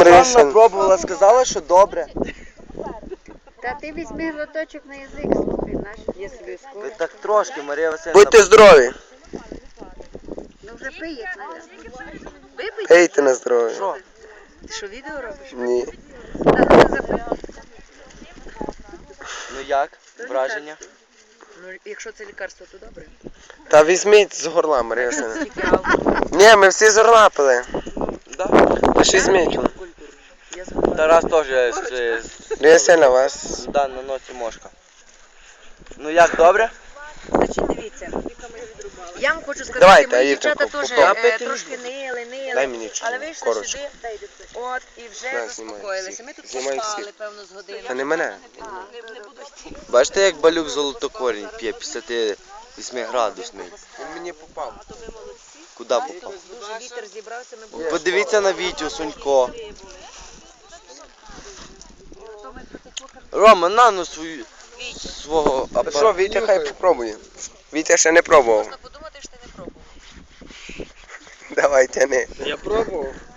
Марія Сам пробувала, сказала, що добре. Та ти візьми глоточок на язик, слухай, наш, я собі Ви скоро. так трошки, Марія Васильівна. Будьте здорові. Ну вже пий, як надо. Випий? Пийте на здоров'я. Що? Ти що, відео робиш? Ні. Та ти запий. Ну як? Враження? Ну, якщо це лікарство, то добре. Та візьміть з горла, Марія Васильівна. Тільки алкоголь. Ні, ми всі з горла пили. Да. Лише візьміть. Я забула. Тарас теж Марія Васильівна, вас... на носі мошка. Ну як, добре? Значить, дивіться. Я вам хочу сказати, Давайте, мої Аїрченко, дівчата теж попробуй. трошки нили. Дай мені чому, Але вийшли коротше. сюди, от, і вже На, заспокоїлися. знімай Ми тут всіх. Знімай поспали, всіх. певно, з години. Та не мене. Не буду йти. Бачите, як балюк золотокорінь п'є 58 градусний. Він мені попав. Куди попав? Дуже вітер зібрався, ми будемо. Подивіться на Вітю, Сонько. Рома, на ну свого Що, апарату. Вітя хай попробує. Вітя ще не пробував. Можна подумати, що ти не пробував. Давай, тяни. Я пробував.